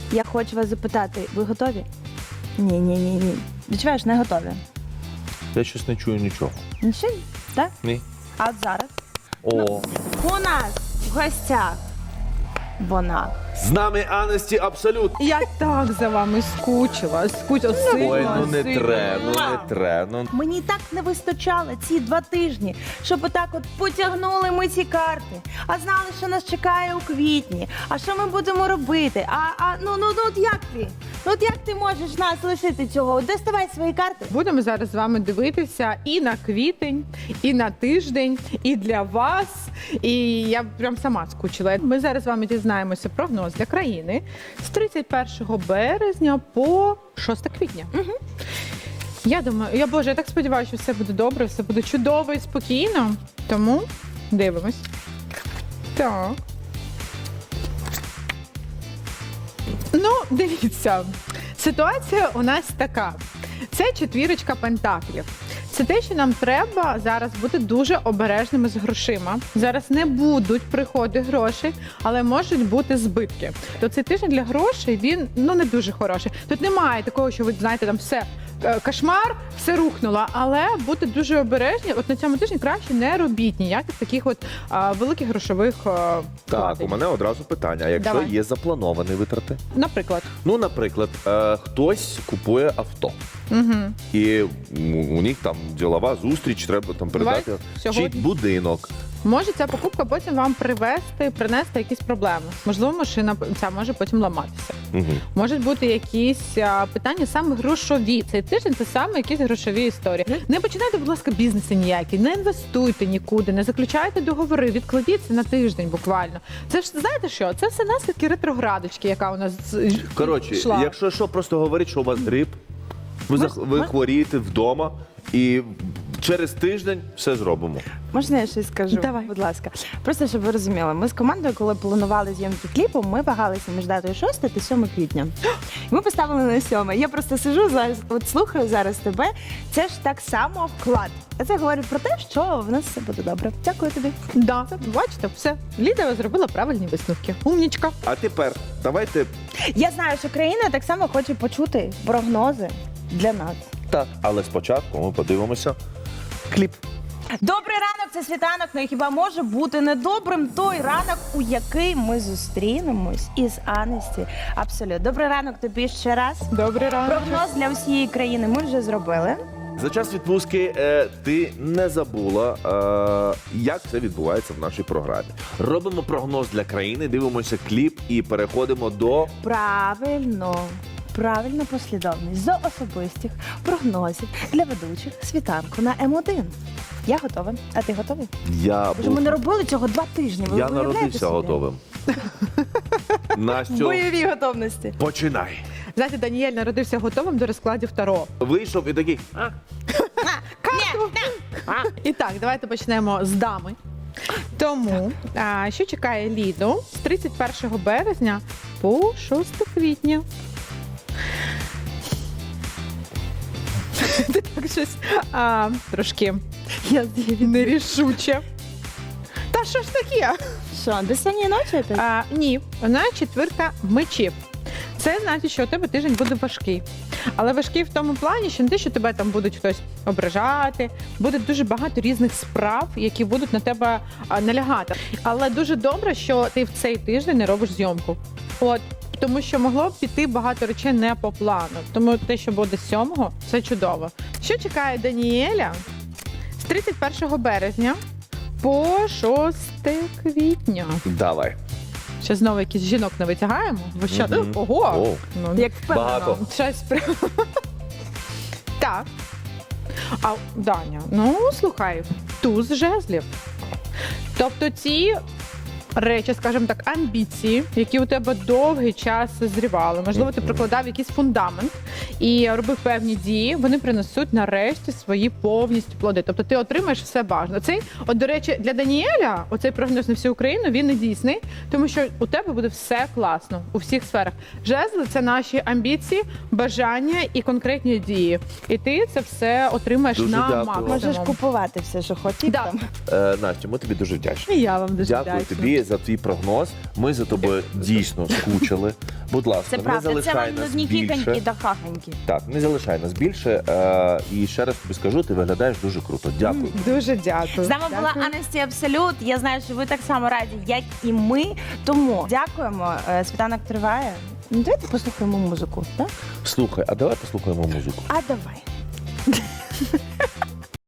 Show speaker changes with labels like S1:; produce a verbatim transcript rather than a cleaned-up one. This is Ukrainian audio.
S1: Я хочу вас запитати, ви готові? Ні, ні, ні, ні. Відчуваєш, не готові.
S2: Я щось не чую нічого.
S1: Нічого? Так?
S2: Ні.
S1: А от зараз?
S2: О,
S1: У нас в гостях вона.
S2: з нами Анесті Абсолют.
S3: Я так за вами скучила, скучила сильно.
S2: Ой, ну не
S3: сильно.
S2: треба, ну не треба. Ну.
S1: Мені так не вистачало ці два тижні, щоб отак от потягнули ми ці карти. А знали, що нас чекає у квітні. А що ми будемо робити? А, а ну, ну, ну от як ти? Ну от як ти можеш нас лишити цього? Доставай свої карти.
S3: Будемо зараз з вами дивитися і на квітень, і на тиждень, і для вас. І я прям сама скучила. Ми зараз з вами дізнаємося прогноз для країни з тридцять першого березня по шосте квітня. Угу. Я думаю, я боже, я так сподіваюся, що все буде добре, все буде чудово і спокійно. Тому дивимось. Так. Ну, дивіться, ситуація у нас така. Це четвірочка пентаклів. Це те, що нам треба зараз бути дуже обережними з грошима. Зараз не будуть приходи грошей, але можуть бути збитки. То цей тиждень для грошей, він ну не дуже хороший. Тут немає такого, що ви знаєте, там все е, кошмар, все рухнуло. Але бути дуже обережні. От на цьому тижні краще не робіть ніяких таких от а, великих грошових а,
S2: Так,
S3: вкладень.
S2: у мене одразу питання. А якщо
S3: Давай.
S2: є заплановані витрати?
S3: Наприклад.
S2: Ну, наприклад, е, хтось купує авто.
S3: Угу.
S2: І у у них там ділова зустріч, треба там передати
S3: Давай
S2: чи
S3: сьогодні.
S2: будинок.
S3: Може ця покупка потім вам привести, принести якісь проблеми. Можливо, машина ця може потім ламатися.
S2: Угу.
S3: Можуть бути якісь а, питання саме грошові. Цей тиждень це саме якісь грошові історії. Не починайте, будь ласка, бізнеси ніякі, не інвестуйте нікуди, не заключайте договори, відкладіться на тиждень буквально. Це ж знаєте що? Це все наслідки ретроградочки, яка у нас з-
S2: Коротше,
S3: йшла.
S2: якщо що, просто говорить, що у вас грип, ви,
S1: Ми-
S2: зах- ви
S1: ми-
S2: хворієте вдома і через тиждень все зробимо.
S1: Можна я щось скажу?
S3: Давай.
S1: Будь ласка. Просто щоб ви розуміли, ми з командою, коли планували зйомки кліпу, ми вагалися між датою шостого та сьомого квітня. Ми поставили на сьоме. Я просто сижу зараз, от слухаю зараз тебе. Це ж так само вклад. А це говорить про те, що в нас все буде добре. Дякую тобі.
S3: Да, бачите, все. Ліда зробила правильні висновки. Умнічка.
S2: А тепер давайте
S1: Я знаю, що країна так само хоче почути прогнози для нас.
S2: так, але спочатку ми подивимося кліп.
S1: Добрий ранок, це світанок. Ну і хіба може бути недобрим той ранок, у який ми зустрінемось із Анесті? Абсолютно. Добрий ранок тобі ще раз.
S3: Добрий ранок.
S1: Прогноз для всієї країни ми вже зробили.
S2: За час відпустки е, ти не забула, е, як це відбувається в нашій програмі. Робимо прогноз для країни, дивимося кліп і переходимо до
S1: Правильно. Правильно послідовність з особистих прогнозів для ведучих світанку на М один. Я готова. А ти готовий?
S2: я
S1: Боже, ми не робили цього два тижні. Ви
S2: я
S1: уявляєте
S2: народився
S1: собі?
S2: готовим. Настю,
S1: Бойові готовності.
S2: починай.
S3: Знаєте, Даніель народився готовим до розкладів Таро.
S2: Вийшов і такий. А?
S3: І так, давайте почнемо з дами. Тому, а, що чекає Ліду з тридцять першого березня по шосте квітня? Ти так щось а, трошки
S1: Я
S3: нерішуче. Та що ж таке?
S1: Що, до сьогодні ночі опять?
S3: А, ні, вона четвірка мечів. Це значить, що у тебе тиждень буде важкий. Але важкий в тому плані, що не те, що тебе там будуть хтось ображати, буде дуже багато різних справ, які будуть на тебе а, налягати. Але дуже добре, що ти в цей тиждень не робиш зйомку. От, тому що могло б піти багато речей не по плану. Тому те, що буде сьомого, це чудово. Що чекає Даніеля з тридцять першого березня по шосте квітня?
S2: Давай.
S3: Ще знову якісь жінок не витягаємо? Ви що?
S2: Мгм.
S3: Ого!
S2: О.
S3: Ну,
S1: Як впевнено.
S2: Багато.
S3: щось прям. Так. А Даня, ну слухай, туз жезлів. Тобто ці речі, скажімо так, амбіції, які у тебе довгий час зрівали. Можливо, ти прикладав якийсь фундамент і робив певні дії, вони принесуть нарешті свої повністю плоди. Тобто ти отримаєш все бажане. Цей, от, до речі, для Даніеля, оцей прогноз на всю Україну, він не дійсний, тому що у тебе буде все класно у всіх сферах. Жезли – це наші амбіції, бажання і конкретні дії. І ти це все отримаєш
S2: Дуже
S3: на
S2: дякую.
S3: максимум.
S1: Можеш купувати все, що хотів
S3: Да.
S1: там.
S2: Е, Настю, ми тобі дуже вдячні.
S3: І я вам дуже
S2: Дякую
S3: вдячна.
S2: тобі. тобі за твій прогноз. Ми за тобою дійсно скучили. Будь ласка,
S1: Це
S2: не
S1: правда, це
S2: залишай
S1: вам
S2: нас
S1: нудні хіханьки
S2: більше.
S1: та хаханьки.
S2: Так, не залишай нас більше. Е, і ще раз тобі скажу, ти виглядаєш дуже круто. Дякую.
S3: Дуже дякую.
S1: З нами була
S3: Дякую.
S1: Анесті Абсолют. Я знаю, що ви так само раді, як і ми. Тому дякуємо. Е, Світанок триває. Ну, давайте послухаємо музику, так?
S2: Слухай, а давай послухаємо музику.
S1: А давай.